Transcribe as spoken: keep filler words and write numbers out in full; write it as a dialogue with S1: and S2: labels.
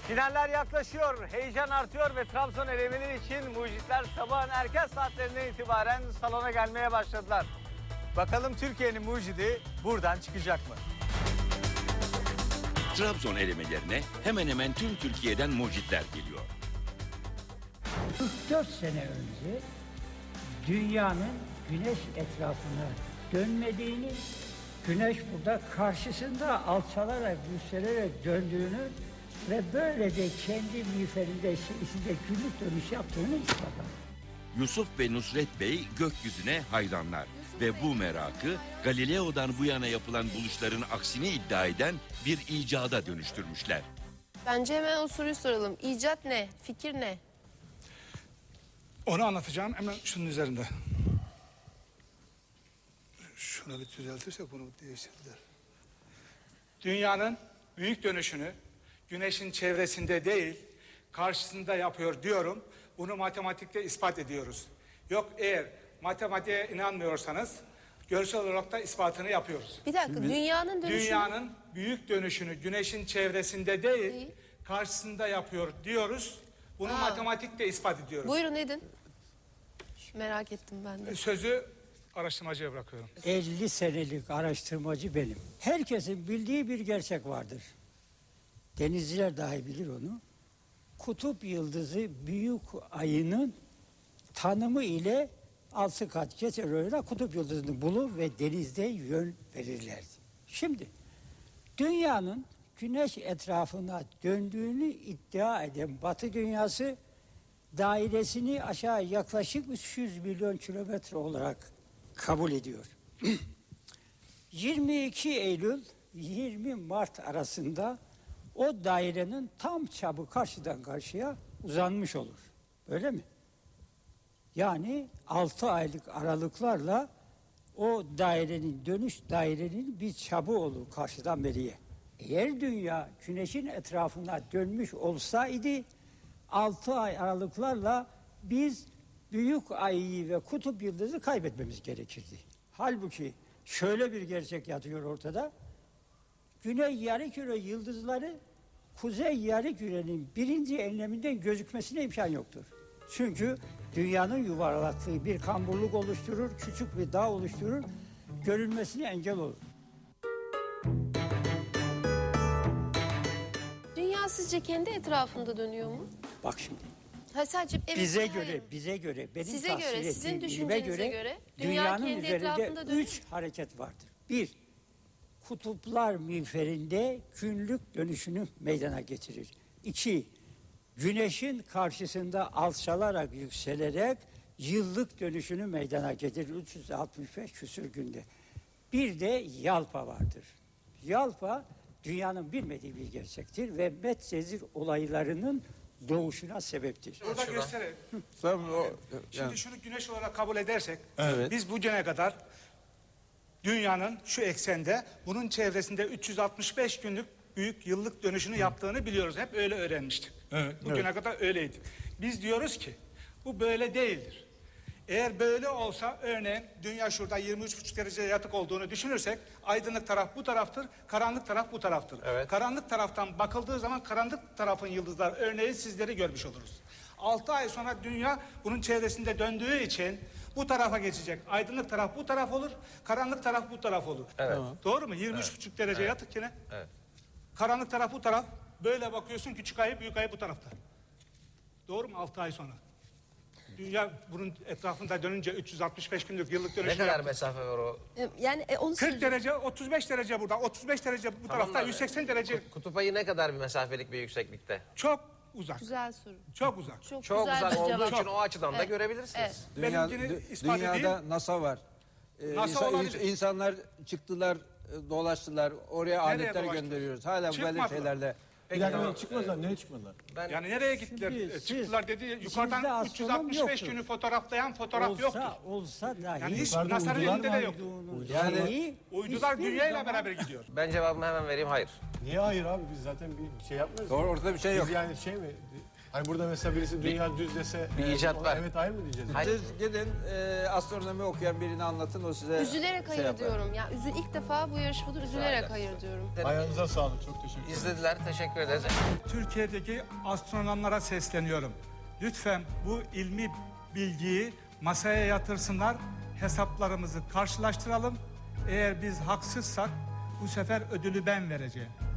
S1: Finaller yaklaşıyor, heyecan artıyor ve Trabzon elemeleri için mucitler sabahın erken saatlerinden itibaren salona gelmeye başladılar. Bakalım Türkiye'nin mucidi buradan çıkacak mı?
S2: Trabzon elemelerine hemen hemen tüm Türkiye'den mucitler geliyor.
S3: kırk dört sene önce dünyanın güneş etrafına dönmediğini, güneş burada karşısında alçalarak, yükselerek döndüğünü ve böylece kendi miğferinde içinde günlük dönüş yaptığını ispatladı.
S2: Yusuf ve Nusret Bey gökyüzüne hayranlar ve bu merakı Galileo'dan bu yana yapılan buluşların aksini iddia eden bir icada dönüştürmüşler.
S4: Bence hemen o soruyu soralım. İcat ne? Fikir ne?
S5: Onu anlatacağım hemen şunun üzerinde. Şunu bir düzeltirsek bunu değiştirdiler. Dünyanın büyük dönüşünü güneşin çevresinde değil, karşısında yapıyor diyorum. Bunu matematikte ispat ediyoruz. Yok, eğer matematiğe inanmıyorsanız görsel olarak da ispatını yapıyoruz.
S4: Bir dakika, dünyanın dönüşü...
S5: Dünyanın büyük dönüşünü güneşin çevresinde değil,
S4: Değil.
S5: karşısında yapıyor diyoruz. Bunu
S4: Ha.
S5: matematikte ispat ediyoruz.
S4: Buyurun edin. Merak ettim ben de.
S5: Sözü araştırmacıya bırakıyorum.
S3: elli senelik araştırmacı benim. Herkesin bildiği bir gerçek vardır. Denizciler dahi bilir onu. Kutup yıldızı büyük ayının tanımı ile altı kat geçer öyle kutup yıldızını bulur ve denizde yön verirlerdi. Şimdi dünyanın güneş etrafına döndüğünü iddia eden Batı dünyası dairesini aşağı yaklaşık üç yüz milyon kilometre olarak kabul ediyor. yirmi iki Eylül yirmi Mart arasında o dairenin tam çapı karşıdan karşıya uzanmış olur. Öyle mi? Yani altı aylık aralıklarla o dairenin, dönüş dairenin bir çapı olur karşıdan beriye. Eğer dünya güneşin etrafına dönmüş olsaydı altı ay aralıklarla biz büyük ayı ve kutup yıldızı kaybetmemiz gerekirdi. Halbuki şöyle bir gerçek yatıyor ortada. Güney yarımküre yıldızları kuzey yarımkürenin birinci enleminden gözükmesine imkan yoktur. Çünkü dünyanın yuvarlaklığı bir kamburluk oluşturur, küçük bir dağ oluşturur, görülmesine engel olur.
S4: Dünya sizce kendi etrafında dönüyor mu?
S3: Bak şimdi.
S4: Ha, sadece evet,
S3: Bize
S4: hayır.
S3: göre, bize göre, benim
S4: Size
S3: tahsil
S4: göre, sizin
S3: ettiğim bilime
S4: düşüncenize göre dünya
S3: dünyanın
S4: kendi
S3: üzerinde
S4: etrafında dönüyor.
S3: üç hareket vardır. Bir, kutuplar miğferinde günlük dönüşünü meydana getirir. İki, güneşin karşısında alçalarak, yükselerek yıllık dönüşünü meydana getirir. üç yüz altmış beş küsür günde. Bir de yalpa vardır. Yalpa dünyanın bilmediği bir gerçektir ve Medcezir olaylarının doğuşuna sebeptir.
S5: Burada gösterelim.
S6: Tabii o,
S5: Şimdi
S6: yani,
S5: şunu güneş olarak kabul edersek,
S6: Evet.
S5: biz bugüne kadar dünyanın şu eksende bunun çevresinde üç yüz altmış beş günlük büyük yıllık dönüşünü yaptığını biliyoruz. Hep öyle öğrenmiştik.
S6: Evet,
S5: Bugüne
S6: evet.
S5: kadar öyleydi. Biz diyoruz ki bu böyle değildir. Eğer böyle olsa örneğin dünya şurada yirmi üç buçuk derece yatık olduğunu düşünürsek aydınlık taraf bu taraftır, karanlık taraf bu taraftır.
S7: Evet.
S5: Karanlık taraftan bakıldığı zaman karanlık tarafın yıldızlar örneğin sizleri görmüş oluruz. altı ay sonra dünya bunun çevresinde döndüğü için bu tarafa geçecek. Aydınlık taraf bu taraf olur, karanlık taraf bu taraf olur.
S7: Evet.
S5: Doğru mu? yirmi üç buçuk derece yatık yine.
S7: Evet.
S5: Karanlık taraf bu taraf. Böyle bakıyorsun küçük ayı büyük ayı bu tarafta. Doğru mu? altı ay sonra. Dünya bunun etrafında dönünce üç yüz altmış beş günlük yıllık
S7: Ne
S5: dönüşü
S7: kadar
S5: yaptı.
S7: mesafe var o?
S4: Yani e, onu
S5: kırk
S4: söyleyeceğim.
S5: derece, otuz beş derece burada, otuz beş derece bu
S7: Tamam
S5: tarafta,
S7: da-
S5: yüz seksen derece.
S7: Kutup ayı ne kadar bir mesafelik bir yükseklikte?
S5: Çok uzak.
S4: Güzel soru.
S5: Çok uzak.
S4: Çok,
S7: Çok
S4: güzel
S7: uzak
S4: bir
S7: olduğu
S4: cevap.
S7: için o açıdan da
S4: Evet.
S7: görebilirsiniz.
S4: Evet.
S6: dünya,
S5: Benimkini
S6: dü-
S5: ispat
S6: dünyada
S5: edeyim.
S6: NASA var. Ee,
S5: NASA
S6: insan-
S5: olabilir.
S6: insanlar çıktılar, e, dolaştılar. Oraya aletler
S5: dolaştılar?
S6: gönderiyoruz. Hala böyle
S5: Çıkmadılar.
S6: şeylerle.
S7: Peki,
S8: Yani
S7: tamam.
S8: çıkmadılar, nereye çıkmadılar?
S7: Ben
S5: Yani nereye gittiler?
S3: Şimdi
S5: E,
S3: siz-
S5: Çıktılar dedi.
S3: içinizde
S5: Yukarıdan
S3: astronom
S5: üç yüz altmış beş
S3: yoktur.
S5: günü fotoğraflayan fotoğraf
S3: olsa,
S5: yoktur.
S3: olsa dahi
S5: Yani hiç
S8: Yukarıda
S5: NASA'nın
S8: uydular
S5: elinde
S8: var.
S5: de yoktur.
S6: Yani
S5: Uydular dünyayla beraber gidiyor.
S7: ben cevabımı hemen vereyim. Hayır.
S8: Niye hayır abi, biz zaten bir şey yapmıyoruz.
S6: Doğru, ortada bir şey yok.
S8: Biz yani şey mi, Hani burada mesela birisi dünya düz dese
S7: bir
S8: e,
S7: icat
S8: ona
S7: var.
S8: evet hayır mı diyeceğiz?
S7: Hayır.
S6: Siz gidin e, astronomi okuyan birini anlatın, o size
S4: Üzülerek
S6: şey
S4: hayır
S6: yapar.
S4: diyorum. Ya üzü ilk defa bu yarışmada üzülerek hayır diyorum.
S8: Ayağınıza sağlık. Çok teşekkür ederim.
S7: İzlediler, teşekkür ederiz.
S5: Türkiye'deki astronomlara sesleniyorum. Lütfen bu ilmi bilgiyi masaya yatırsınlar, hesaplarımızı karşılaştıralım. Eğer biz haksızsak bu sefer ödülü ben vereceğim.